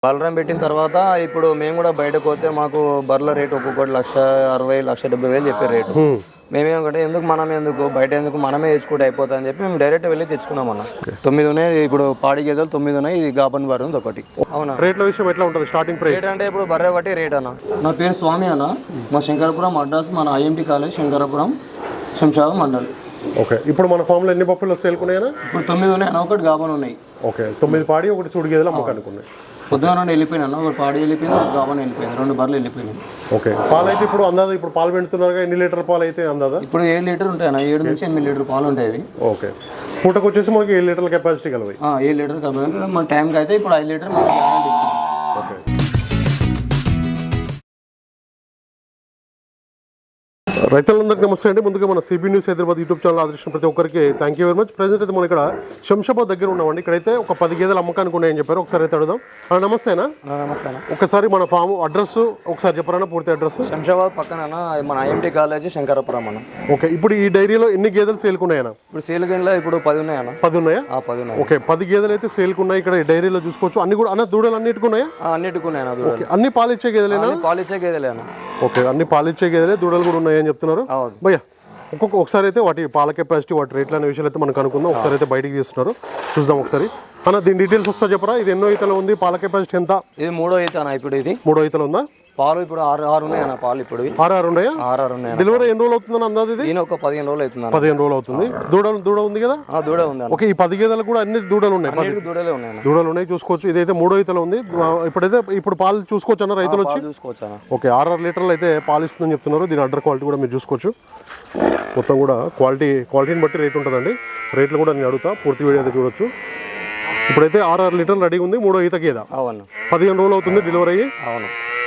బలరాం పెట్టిన తర్వాత ఇప్పుడు మేము కూడా బయటకు పోతే మాకు బర్రెల రేటు ఒక్కొక్కటి 1,60,000 1,70,000 చెప్పే రేటు. మేమేమంటే ఎందుకు బయట ఎందుకు మనమే తెచ్చుకుంటే అయిపోతా అని చెప్పి మేము డైరెక్ట్ వెళ్ళి తెచ్చుకున్నాం అన్న. 9 ఉన్నాయి ఇప్పుడు, పాడి గేదెలు 9 ఉన్నాయి, ఇది గాబన్ బర్రె ఉంది ఒకటి. అవునా, రేట్ల విషయం ఎట్లా ఉంటుంది స్టార్టింగ్ ప్రైస్? రేట్ అంటే ఇప్పుడు బర్రె బట్టి రేట్ అన్న. నా పేరు స్వామి అన్న, మా శంకరపురం అడ్రస్ మన IMT college Shankarapuram Shamshabad mandal. Okay, ఇప్పుడు మన ఫామ్లో ఎన్ని బఫెలో సేల్కున్నాయనా? ఇప్పుడు 9 ఉన్నాయి అన్న, ఒకటి గాబన్ ఉన్నాయి. ఓకే, 9 పాడి ఒకటి చూడు గేదెలు అమ్మకానుకున్నాయి. పొద్దున 2 వెళ్ళిపోయినా, ఒకటి పాడి వెళ్ళిపోయింది, ఒక గాబన్ వెళ్ళిపోయింది, 2 బర్రెలు వెళ్ళిపోయినాయి. ఓకే, పాలు అయితే ఇప్పుడు అందాదా ఇప్పుడు పాలు పెడుతున్నారు, ఎన్ని లీటర్ పాలు అయితే అందాదా? ఇప్పుడు 7 లీటర్ ఉంటాయి అన్న, 7 నుంచి 8 లీటర్ పాలు ఉంటాయి. ఓకే, పూటకు వచ్చేసి మనకి 7 లీటర్ల కెపాసిటీ కలవి. 7 లీటర్ కాబట్టి మన టైంకి అయితే ఇప్పుడు 5 లీటర్ మనకి గ్యారెంటీ ఇస్తుంది. ఓకే, రైతులందరికీ నమస్తే అండి. ముందుగా మన CB news Hyderabad YouTube channel ఆదరించిన ప్రతి ఒక్కరికి thank you very much. Present అయితే మనం ఇక్కడ శంషాబాద్ దగ్గర ఉన్నామండి. ఇక్కడైతే ఒక 10 గేదెలు అమ్మకానికి ఉన్నాయని చెప్పారు. ఒకసారి అయితే అడుగుదాం. నమస్తేనా? నమస్తే. ఒకసారి మన ఫామ్ అడ్రస్ ఒకసారి చెప్పరా, పూర్తి అడ్రస్? శంషాబాద్ పక్కన మన IMT కాలేజ్ శంకరపురం అన్న. ఓకే, ఇప్పుడు ఈ డైరీలో ఎన్ని గేదెలు సేల్కున్నాయన్నా? ఇప్పుడు సేల్ గంటలో ఇప్పుడు 10 ఉన్నాయి అన్న. 10 ఉన్నాయా? 10 ఉన్నాయి. ఓకే, 10 గేదెలు అయితే సేల్కున్నాయి. ఇక్కడ ఈ డైరీలో చూసుకోవచ్చు. అన్ని కూడా అన్న దూడలు అన్నిటికి ఉన్నాయా? అన్నిటికి ఉన్నాయి అన్న దూడలు. అన్ని పాలిచ్చే గేదెలేనా? పాలిచ్చే గేదెలే అన్న. ఓకే, అన్ని పాలిచ్చే గేదెలే, దూడలు కూడా ఉన్నాయని చెప్తున్నారు. భయ్యా ఒకసారి అయితే వాటి పాల కెపాసిటీ, వాటి రేట్లు అనే విషయాలు అయితే మనం కనుక్కుందాం. ఒకసారి అయితే బయటికి తీస్తున్నారు, చూద్దాం ఒకసారి. అన్న దీని డీటెయిల్స్ ఒకసారి చెప్పరా, ఇది ఎన్నో ఈతలో ఉంది, పాల కెపాసిటీ ఎంత? ఇది 3వ ఈత అన్న. ఇప్పుడు ఇది 3వ ఈతలో ఉందా? పాలు ఇప్పుడు 6 ఉన్నాయి అన్న. పాలు ఇప్పుడు 6 ఉన్నాయా? 6 ఉన్నాయి. డెలివరీ ఎన్ని రోజులు అవుతుందని అందాది? ఇది ఒక 15 రోజులు అవుతుంది. 15 రోజులు అవుతుంది. దూడ ఉంది కదా? దూడ ఉంది. ఓకే, ఈ 10 గేదెలు కూడా అన్ని దూడలు ఉన్నాయి. దూడలే ఉన్నాయి. దూడలు ఉన్నాయి, చూసుకోవచ్చు. ఇదైతే 3వ ఈతలో ఉంది. ఇప్పుడు పాలు చూసుకోవచ్చు అన్న రైతులు వచ్చి? చూసుకోవచ్చు అన్న. ఓకే, 6 లీటర్లు అయితే పాలు ఇస్తుందని చెప్తున్నారు. దీని అడ్డర్ క్వాలిటీ కూడా మీరు చూసుకోవచ్చు. మొత్తం కూడా క్వాలిటీని బట్టి రేట్ ఉంటుందండి. రేట్లు కూడా నేను అడుగుతా, పూర్తి వీడియో అయితే చూడొచ్చు. ఇప్పుడైతే 6 లీటర్లు రెడీ ఉంది. 3వ ఈత గేద. అవును, 15 రోజులు అవుతుంది డెలివరీ అయ్యి. అవును.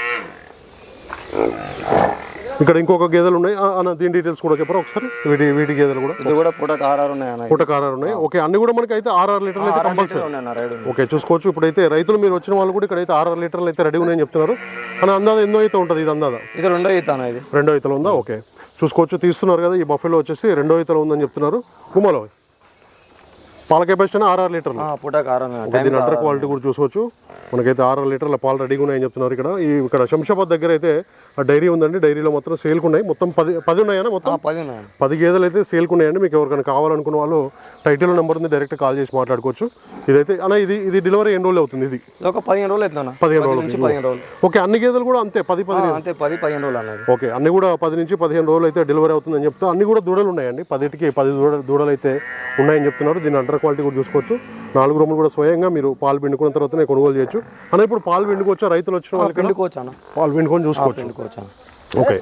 ఇక్కడ ఇంకొక గేదెలు ఉన్నాయి అన్న, దీని డీటెయిల్స్ కూడా చెప్పరా ఒకసారి? వీటి గేదెలు కూడా ఇది కూడా పూటకు 6 ఉన్నాయి అన్న. పూటకు 6 ఉన్నాయి. ఓకే, అన్ని కూడా మనకి అయితే 6 లీటర్లు అయితే కంపల్సరీ. ఓకే, చూసుకోవచ్చు. ఇప్పుడైతే రైతులు మీరు వచ్చిన వాళ్ళు కూడా ఇక్కడైతే 6 లీటర్లు అయితే రెడీ ఉన్నాయని చెప్తున్నారు. అని అందాదా ఎన్నో అయితే ఉంటుంది? ఇది అందాదా? ఇది 2వ ఈత అన్న. ఇది 2వ ఈతలో ఉందా? ఓకే, చూసుకోవచ్చు. తీస్తున్నారు కదా, ఈ బఫెలో వచ్చేసి 2వ ఈతలో ఉందని చెప్తున్నారు. గుమ్మలో పాల కెపాసిటీ 6 లీటర్లు. దీని అడ్డర్ క్వాలిటీ కూడా చూసుకోవచ్చు. మనకైతే 6 లీటర్ల పాలు రెడీగా ఉన్నాయని చెప్తున్నారు. ఇక్కడ శంషాబాద్ దగ్గర అయితే డైరీ ఉందండి. డైరీలో మొత్తం సేల్కున్నాయి. మొత్తం 10 ఉన్నాయన్నా? మొత్తం 10 గేదెలు అయితే సేల్కున్నాయండి. మీకు ఎవరికైనా కావాలనుకున్న వాళ్ళు టైటిల్ నెంబర్ ఉంది, డైరెక్ట్ కాల్ చేసి మాట్లాడుకోవచ్చు. ఇదైతే అన్న ఇది డెలివరీ ఎన్ని రోజులు అవుతుంది? ఇది ఒక 15 రోజులు అవుతుంది. 15 రోజులు. ఓకే, అన్ని గేదెలు కూడా అంతే 10-15 రోజులు అన్నది. ఓకే, అన్ని కూడా 10 నుంచి 15 రోజులు అయితే డెలివరీ అవుతుందని చెప్తా. అన్ని కూడా దూడలు ఉన్నాయండి. 10 దూడలు అయితే ఉన్నాయని చెప్తున్నారు. దీని అండర్ క్వాలిటీ కూడా చూసుకోవచ్చు. 4 రూములు కూడా స్వయంగా మీరు పాలు పిండుకున్న తర్వాతనే కొనుగోలు చేయొచ్చు. అన్న ఇప్పుడు పాలు పిండుకోవచ్చా? రైతులు వచ్చిన వాళ్ళకి పాలు పిండుకొని చూసుకోవచ్చు. ఓకే,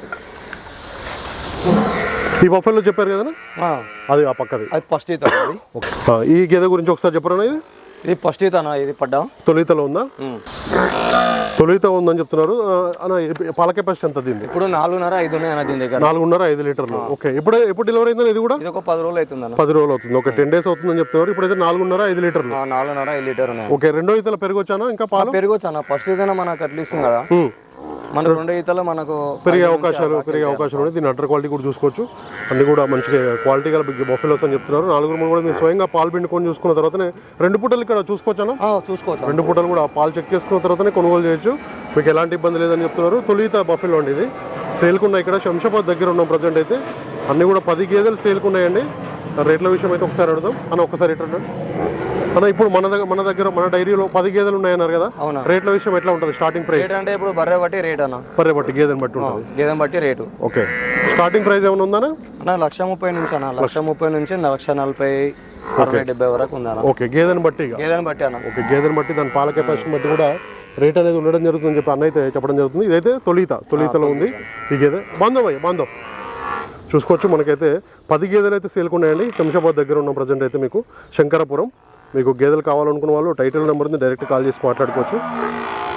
ఈ బఫెలో చెప్పారు కదా అది ఆ పక్కది, అది ఫస్ట్ ఈత. ఈ గేదె గురించి ఒకసారి చెప్పరా? ఇది ఫస్ట్ ఈత అన్న. ఇది పడ్డా తొలితలో ఉందా? తొలిత ఉందని చెప్తున్నారు. పాల కెపాసిటీ ఎంత దీన్ని? ఇప్పుడు 4.5-5 ఉన్నాయి అన్న దీని దగ్గర. 4.5-5 లీటర్లు. ఓకే, ఎప్పుడు డెలివరీ అయిందని? ఇది కూడా ఒక 10 రోజులు అవుతుంది అన్న. 10 రోజులు అవుతుంది. ఓకే, 10 డేస్ అవుతుందని చెప్తున్నారు. ఇప్పుడైతే 4.5-5 లీటర్లు. 4.5-5 లీటర్ ఉన్నాయి. ఓకే, 2వ ఈతలో పెరిగొచ్చానా? ఇంకా పాలు పెరిగొచ్చు అన్న. ఫస్ట్ ఈత మనకు అట్లా ఇస్తుంది కదా, మన 2వ ఈతలో మనకు పెరిగే అవకాశాలు ఉన్నాయి. దీని అడ్డర్ క్వాలిటీ కూడా చూసుకోవచ్చు. అన్ని కూడా మంచిగా క్వాలిటీ గల బిగ్ బఫెలోస్ అని చెప్తున్నారు. 4 రూములు కూడా మీరు స్వయంగా పాలు పిండుకొని చూసుకున్న తర్వాతనే 2 పూటలు ఇక్కడ చూసుకోవచ్చానా? చూసుకోవచ్చు. 2 పూటలు కూడా పాలు చెక్ చేసుకున్న తర్వాతనే కొనుగోలు చేయొచ్చు. మీకు ఎలాంటి ఇబ్బంది లేదని చెప్తున్నారు. తొలిత బఫెలో అండి. ఇది సేల్కున్నాయి. ఇక్కడ శంషాబాద్ దగ్గర ఉన్నాం ప్రజెంట్ అయితే. అన్ని కూడా 10 గేదెలు సేల్కున్నాయండి. రేట్ల విషయం అయితే ఒకసారి అడుగుదాం అన్న. ఒకసారి ఎట్లా అన్న, ఇప్పుడు మన డైరీలో 10 గేదెలు ఉన్నాయన్నారు కదా, రేట్ల విషయం ఎట్లా ఉంటుంది స్టార్టింగ్ ప్రైస్? అంటే ఇప్పుడు బర్రె బట్టి రేట్ అన్న. బర్రె బట్టి గేదెని బట్టి ఉంటుంది. గేదెని బట్టి రేటు. ఓకే, స్టార్టింగ్ ప్రైస్ ఏమైనా ఉందా అన్న? 1,30,000 నుంచి అన్న. 1,30,000 నుంచి 1,40,000, 60-70 వరకు ఉంది అన్న. ఓకే, గేదెని బట్టి అన్న. ఓకే, గేదెని బట్టి దాని పాల కెపాసిటీ బట్టి కూడా రేట్ అనేది ఉండడం జరుగుతుందని చెప్పి అన్న అయితే చెప్పడం జరుగుతుంది. ఇదైతే తొలితలో ఉంది ఈ గేదె. బాంధవ్ చూసుకోవచ్చు. మనకైతే 10 గేదెలు అయితే సేల్కున్నాయండి. శంషాబాద్ దగ్గర ఉన్న ప్రజెంట్ అయితే మీకు శంకరపురం. మీకు గేదెలు కావాలనుకున్న వాళ్ళు టైటిల్ నెంబర్ ఉంది, డైరెక్ట్ కాల్ చేసి మాట్లాడుకోవచ్చు.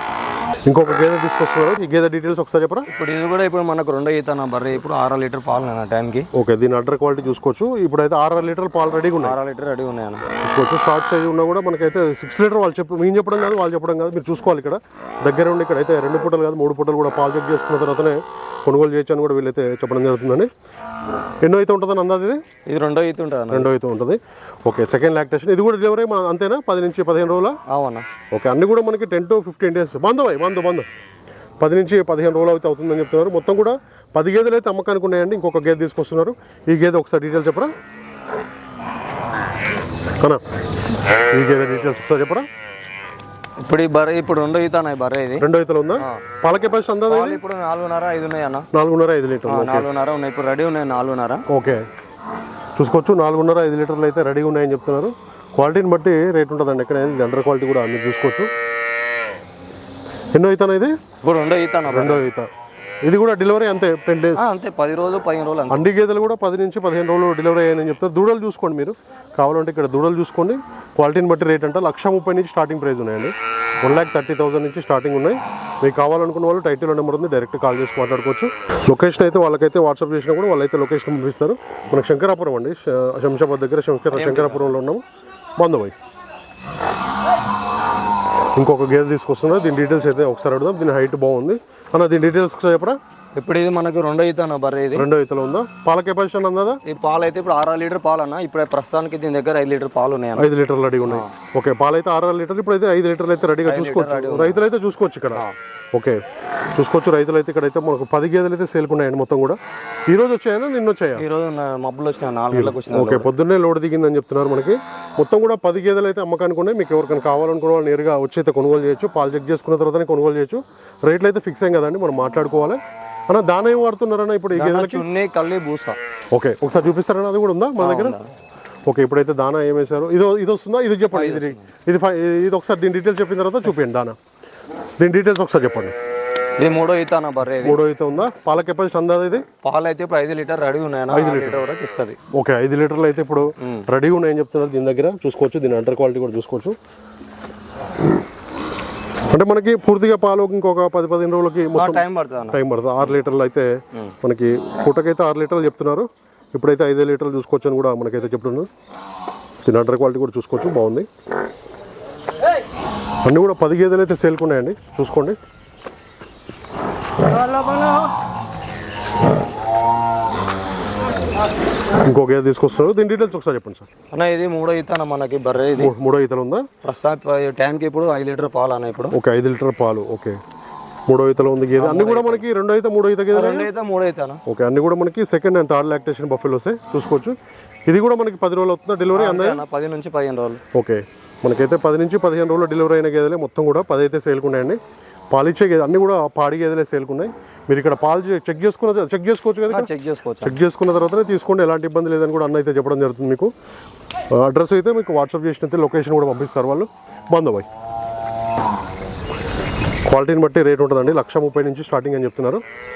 ఇంకొక గేదె తీసుకొస్తున్నారు. ఈ గేదె డీటెయిల్స్ ఒకసారి చెప్పరా? ఇప్పుడు ఇది కూడా ఇప్పుడు మనకు 2 ఈత అన్న బర్రె. ఇప్పుడు 6 లీటర్ పాలు అన్న టైంకి. ఓకే, దీని అడ్డర్ క్వాలిటీ చూసుకోవచ్చు. ఇప్పుడైతే 6 లీటర్ల పాలు రెడీగా ఉన్నాయి. 6 లీటర్ రెడీ ఉన్నాయన్న చూసుకోవచ్చు. షార్ట్ సైజ్ ఉన్నా కూడా మనకైతే 6 లీటర్ వాళ్ళు మేము చెప్పడం కాదు, వాళ్ళు చెప్పడం కాదు, మీరు చూసుకోవాలి. ఇక్కడ దగ్గర ఉండి ఇక్కడైతే 2 పూటలు కాదు 3 పూటలు కూడా పాలు చెక్ చేసుకున్న తర్వాతనే కొనుగోలు చేయొచ్చు అని కూడా వీళ్ళైతే చెప్పడం జరుగుతుందండి. ఎన్నో అయితే ఉంటుందని అందాది ఇది 2వ ఈత ఉంటుంది. 2వ ఈత ఉంటుంది. Okay, second lactation. ఇది కూడా డెలివరీ మన అంతేనా? 10 నుంచి 15 రోజుల? అవునా. ఓకే, అన్ని కూడా మనకి 10 to 15 డేస్ బంధు 10 నుంచి 15 రోజులు అయితే అవుతుందని చెప్తున్నారు. మొత్తం కూడా 10 గేదెలు అయితే అమ్మకానికి ఉన్నాయండి. ఇంకొక గేదె తీసుకొస్తున్నారు. ఈ గేదె ఒకసారి డీటెయిల్స్ చెప్పరా అన్నా? ఈ గేదె డీటెయిల్స్ ఒకసారి చెప్పరా? ఇప్పుడు ఈ బర్రె ఇప్పుడు 2వ ఈత అన్న బర్రె. ఇది 2వ ఈతలో ఉందా? పాల కెపాసిటీ అందా? ఇప్పుడు 4.5 5 ఉన్నాయి అన్న. 4.5 లీటర్లు. 4.5 ఉన్నాయి ఇప్పుడు రెడీ ఉన్నాయి. 4.5. ఓకే, చూసుకోవచ్చు. 4.5 5 లీటర్లు అయితే రెడీగా ఉన్నాయని చెప్తున్నారు. క్వాలిటీని బట్టి రేట్ ఉంటుందండి. ఎక్కడ అండర్ క్వాలిటీ కూడా అన్ని చూసుకోవచ్చు. ఎన్నో ఈతనా ఇది? ఇప్పుడు 2వ ఈత అన్న. 2వ ఈత. ఇది కూడా డెలివరీ అంతే 10 డేస్ అంతే. 10 రోజులు 15 రోజులు అంతే. అండి గేదెలు కూడా 10 నుంచి 15 రోజులు డెలివరీ అయ్యాయని చెప్తారు. దూడలు చూసుకోండి మీరు కావాలంటే. ఇక్కడ దూడలు చూసుకోండి. క్వాలిటీని బట్టి రేట్ అంటే 1,30,000 నుంచి స్టార్టింగ్ ప్రైస్ ఉన్నాయండి. 1,30,000 నుంచి స్టార్టింగ్ ఉన్నాయి. మీకు కావాలనుకున్న వాళ్ళు టైటిల్ నెంబర్ ఉంది, డైరెక్ట్ కాల్ చేసి మాట్లాడుకోవచ్చు. లొకేషన్ అయితే వాళ్ళకైతే వాట్సాప్ చేసినా కూడా వాళ్ళైతే లొకేషన్ పంపిస్తారు. మనకు శంకరాపురం అండి, శంషాబాద్ దగ్గర శంకరాపురంలో ఉన్నాము. బంధుబాయ్ ఇంకొక గేదె తీసుకొస్తున్నారు. దీని డీటెయిల్స్ అయితే ఒకసారి అడుగుదాం. దీని హైట్ బాగుంది అన్న. దీని డీటెయిల్స్ ఒకసారి చెప్పరా? ఇప్పుడు ఇది మనకు 2వ ఈత అన్న బర్రె. ఇది 2వ ఈతలో ఉందా? పాల కెపాసిటీ అన్నదా? ఈ పాలు అయితే ఇప్పుడు 6 లీటర్ పాలు అన్న. ఇప్పుడు ప్రస్తుతానికి దీని దగ్గర 5 లీటర్ పాలు ఉన్నాయి. 5 లీటర్లు రెడీగా ఉన్నాయి. ఓకే, పాలు అయితే 6 లీటర్లు. ఇప్పుడు అయితే 5 లీటర్లు అయితే రెడీగా చూసుకోవచ్చు. రైతులు అయితే చూసుకోవచ్చు ఇక్కడ. ఓకే, చూసుకోవచ్చు. రైతులు అయితే ఇక్కడైతే మనకు 10 గేదెలు అయితే సేల్కున్నాయండి. మొత్తం కూడా ఈ రోజు వచ్చాయా నిన్న వచ్చాయా? ఈ రోజు మబ్బులు వచ్చినాయి. 4 గంటలకు వచ్చినాయి. ఓకే, పొద్దున్నే లోడ్ దిగిందని చెప్తున్నారు మనకి. మొత్తం కూడా 10 గేదెలు అయితే అమ్మకానికి ఉన్నాయి. మీకు ఎవరికైనా కావాలనుకున్న వాళ్ళు నేరుగా వచ్చి అయితే కొనుగోలు చేయొచ్చు. పాలు చెక్ చేసుకున్న తర్వాతనే కొనుగోలు చేయొచ్చు. రేట్లు అయితే ఫిక్స్ అయ్యి కదండి, మనం మాట్లాడుకోవాలి. అన్న దాన ఏం వాడుతున్నారన్న ఇప్పుడు ఈ గేదెలకి? చున్నీ కల్లి బూస. ఓకే, ఒకసారి చూపిస్తారన్న. అది కూడా ఉందా మన దగ్గర? ఓకే, ఇప్పుడైతే దానా ఏమేశారు? ఇది వస్తుందా? ఇది చెప్పండి. ఇది ఒకసారి దీని డీటెయిల్స్ చెప్పిన తర్వాత చూపించండి దానా. దీని డీటెయిల్స్ ఒకసారి చెప్పండి. ఇది 3వ ఈత అన్న బర్రె. 3వ ఈత ఉందా? పాల కెపాసిటీ అందాది ఇది? పాలు అయితే ఇప్పుడు 5 లీటర్ రెడీ ఉన్నాయి. 5 లీటర్ వరకు ఇస్తుంది. ఓకే, 5 లీటర్లు అయితే ఇప్పుడు రెడీగా ఉన్నాయని చెప్తున్నారు. దీని దగ్గర చూసుకోవచ్చు. దీని అండర్ క్వాలిటీ కూడా చూసుకోవచ్చు. అంటే మనకి పూర్తిగా పాలు ఇంకొక 10-15 రోజులకి టైం పడుతుంది. 6 లీటర్లు అయితే మనకి పూటకైతే 6 లీటర్లు చెప్తున్నారు. ఇప్పుడైతే 5 లీటర్లు చూసుకోవచ్చు అని కూడా మనకైతే చెప్తున్నారు. దీని అండర్ క్వాలిటీ కూడా చూసుకోవచ్చు, బాగుంది. అన్నీ కూడా 10 గేదెలు అయితే సేల్కున్నాయండి, చూసుకోండి. ఇంకో గేదె తీసుకొస్తున్నారు. దీని డీటెయిల్స్ ఒకసారి చెప్పండి సార్. అన్న ఇది 3వ ఈత అన్న మనకి బర్రె. ఇది 3వ ఈతలు ఉందా? ప్రస్తుతానికి టైంకి ఇప్పుడు 5 లీటర్ పాలు అన్న. ఇప్పుడు ఓకే, 5 లీటర్ పాలు. ఓకే, 3వ ఈతలో ఉంది గేదె. అన్ని కూడా మనకి 2వ ఈత 3వ ఈత గేదె. 2వ ఈత 3వ ఈత. ఓకే, అన్ని కూడా మనకి సెకండ్ అండ్ థర్డ్ లాక్టేషన్ బఫెలోసే చూసుకోవచ్చు. ఇది కూడా మనకి 10 రోజులు అవుతుందా డెలివరీ? 10 నుంచి 15 రోజులు. ఓకే, మనకైతే 10 నుంచి 15 రోజులు డెలివరీ అయిన గేదెలే మొత్తం కూడా 10 అయితే సేల్కున్నాయండి. పాలిచ్చే గేదె అన్ని కూడా పాడి గేదెలే సేల్కున్నాయి. మీరు ఇక్కడ పాలు చెక్ చేసుకోవచ్చు కదా? చెక్ చేసుకున్న తర్వాతనే తీసుకోండి, ఎలాంటి ఇబ్బంది లేదని కూడా అన్న అయితే చెప్పడం జరుగుతుంది. మీకు అడ్రస్ అయితే మీకు వాట్సాప్ చేసినైతే లొకేషన్ కూడా పంపిస్తారు వాళ్ళు. బంధుబాయ్ క్వాలిటీని బట్టి రేట్ ఉంటుందండి. 1,30,000 నుంచి స్టార్టింగ్ అని చెప్తున్నారు.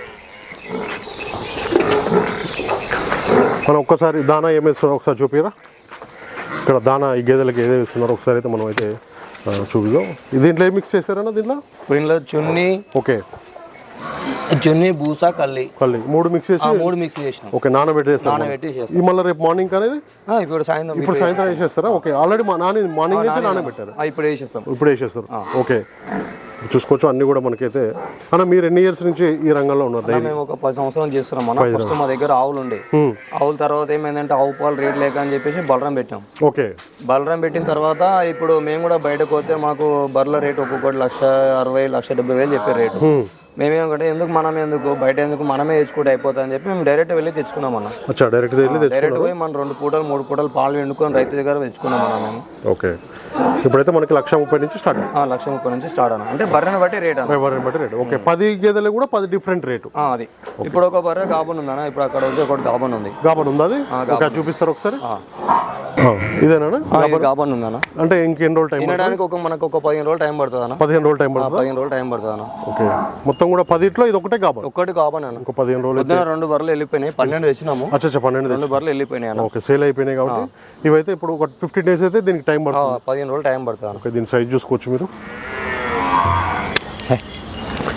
మనం ఒక్కసారి దానా ఏమేస్తున్నారో ఒకసారి చూపిరా. ఇక్కడ దానా ఈ గేదెలకి ఏదో ఇస్తున్నారో ఒకసారి అయితే మనం అయితే చూపిద్దాం. దీంట్లో ఏం మిక్స్ చేస్తారన్న? దీంట్లో చున్నీ, ఓకే, చున్నీ, బూస, కల్లి 3 మిక్స్ చేసి ఓకే నానబెట్టేస్తారు. ఈ మళ్ళీ రేపు మార్నింగ్ అనేది ఇప్పుడు సాయంత్రం వేసేస్తారా? ఓకే, ఆల్రెడీ మార్నింగ్ అయితే నానబెట్టారు, ఇప్పుడు వేసేస్తారు. ఓకే, చూసుకోవచ్చు. అన్ని కూడా మనకైతే అన్న మీరు ఎన్ని ఇయర్స్ నుంచి ఈ రంగంలో ఉన్నారు? మేము ఒక 10 సంవత్సరాలు చేస్తున్నాం అన్న. ఫస్ట్ మా దగ్గర ఆవులు ఉండే. ఆవుల తర్వాత ఏమైందంటే ఆవు పాలు రేట్ లేక అని చెప్పేసి బలరం పెట్టాం. ఓకే, బలరం పెట్టిన తర్వాత ఇప్పుడు మేము కూడా బయటకు పోతే మాకు బర్రెల రేట్ ఒక్కొక్కటి 1,60,000 1,70,000 చెప్పే రేటు. మేమేమంటే ఎందుకు బయట మనమే తెచ్చుకుంటే అయిపోతా అని చెప్పి మేము డైరెక్ట్ వెళ్ళి తెచ్చుకున్నాం అన్న. డైరెక్ట్ పోయి మనం 2 పూటలు 3 పూటలు పాలు వండుకొని రైతు దగ్గర తెచ్చుకున్నాం అన్న మేము. ఓకే, ఇప్పుడైతే మనకి 1,30,000 నుంచి స్టార్ట్. 1,30,000 నుంచి స్టార్ట్ అన్న. అంటే బర్రెని బట్టి రేట్ అన్న. ఓకే, 10 గేదెలు కూడా 10 డిఫరెంట్ రేటు. అది ఇప్పుడు ఒక బర్రె గాబన్ ఉందన్న. ఇప్పుడు అక్కడ ఒకటి గాబన్ ఉంది. అది చూపిస్తారు ఒకసారి. ఇదేనా గాబన్ ఉందన్న. అంటే ఇంకెన్ని రోజులు టైం? తినడానికి మనకు ఒక 15 రోజులు టైం పడుతుంది అన్న. 15 రోజులు టైం పడుతుంది అన్న. ఓకే, మొత్తం కూడా 10 ఇది ఒకటే గాబన్. ఒకటి గాబన్ అన్న. ఒక 15 రోజులు. 2 బర్రెలు వెళ్ళిపోయినాయి. 12 తెచ్చినాము. 12 బర్రెలు వెళ్ళిపోయినాయి అన్న. ఓకే, సేల్ అయిపోయినాయి కాబట్టి ఇవైతే ఇప్పుడు ఒక 15 డేస్ అయితే దీనికి టైం పడుతుంది. 15 రోజులు టైం పడుతుంది. ఓకే, దీని సైజ్ చూసుకోవచ్చు మీరు.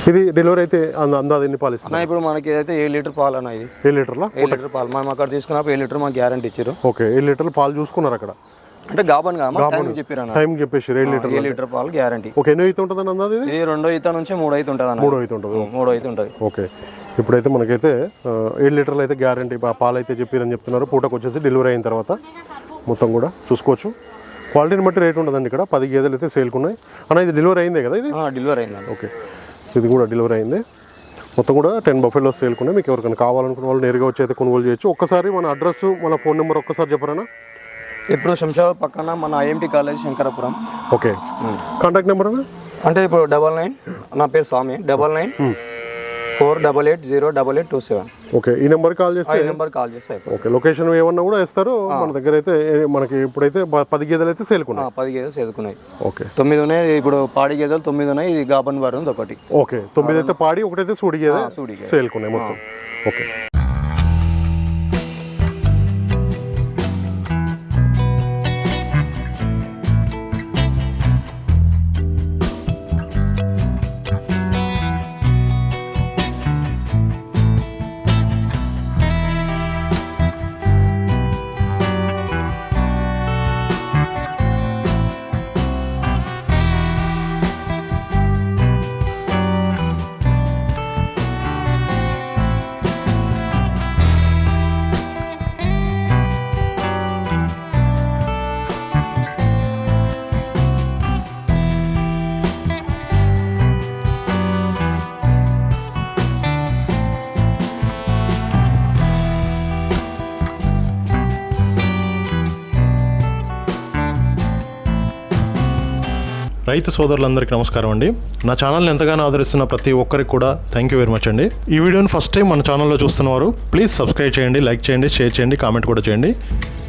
ఇది డెలివరీ అయితే అందాది ఎన్ని పాలు ఇస్తుంది అన్న ఇప్పుడు మనకి ఏదైతే 7 లీటర్ పాలు అన్న ఇది 7 లీటర్లా 7 లీటర్ పాలు మనం అక్కడ తీసుకున్నప్పుడు 7 లీటర్ మాకు గ్యారంటీ ఇచ్చారు. ఓకే 7 లీటర్లు పాలు చూసుకున్నారు అక్కడ అంటే గాబన్ టైం చెప్పారు అన్న, టైం చెప్పేసి 7 లీటర్ 7 లీటర్ పాలు గ్యారంటీ. ఓకే ఎన్నో అయితే ఉంటుంది అందాది ఇది ఇది 2వ ఈత నుంచి 3వ ఈత ఉంటుంది అన్న. 3వ అయితే ఉంటుంది 3వ ఈత ఉంటుంది. ఓకే ఇప్పుడైతే మనకైతే 7 లీటర్లు అయితే గ్యారంటీ పాలు అయితే చెప్పారని చెప్తున్నారు. పూటకు వచ్చేసి డెలివరీ అయిన తర్వాత మొత్తం కూడా చూసుకోవచ్చు. క్వాలిటీని బట్టి రేట్ ఉండదండి. ఇక్కడ 10 గేదెలు అయితే సేల్కున్నాయి అన్న. ఇది డెలివరీ అయిందే కదా ఇది? డెలివరీ అయింది. ఓకే ఇది కూడా డెలివరీ అయింది. మొత్తం కూడా 10 బఫెలోస్ సేల్కున్నాయి. మీకు ఎవరికైనా కావాలనుకున్న వాళ్ళు నేరుగా వచ్చి అయితే కొనుగోలు చేయొచ్చు. ఒక్కసారి మన అడ్రస్ మన ఫోన్ నెంబర్ ఒక్కసారి చెప్పరానా? ఇప్పుడు శంషాబాద్ పక్కన మన IMT college Shankarapuram. Okay contact number అన్న? అంటే ఇప్పుడు 99 నా పేరు స్వామి 9948808827. ఓకే ఈ నెంబర్ కాల్ చేస్తే కాల్ చేస్తే ఓకే లొకేషన్ ఏమన్నా కూడా ఇస్తారు. మన దగ్గర అయితే మనకి ఇప్పుడైతే 10 గేదెలు అయితే సేల్కున్నాయి. 10 గేదెలు సేల్కున్నాయి. ఓకే 9 ఉన్నాయి. ఇప్పుడు పాడి గేదెలు 9 ఉన్నాయి. ఇది గాబన్ బార్ ఉంది ఒకటి. ఓకే 9 అయితే పాడి, ఒకటైతే సూడి గేదె సేల్కున్నాయి మొత్తం. ఓకే రైతు సోదరులందరికీ నమస్కారం అండి. నా ఛానల్ని ఎంతగానో ఆదరిస్తున్న ప్రతి ఒక్కరికి కూడా థ్యాంక్ యూ వెరీ మచ్ అండి. ఈ వీడియోని ఫస్ట్ టైం మన ఛానల్లో చూస్తున్నవారు ప్లీజ్ సబ్స్క్రైబ్ చేయండి, లైక్ చేయండి, షేర్ చేయండి, కామెంట్ కూడా చేయండి.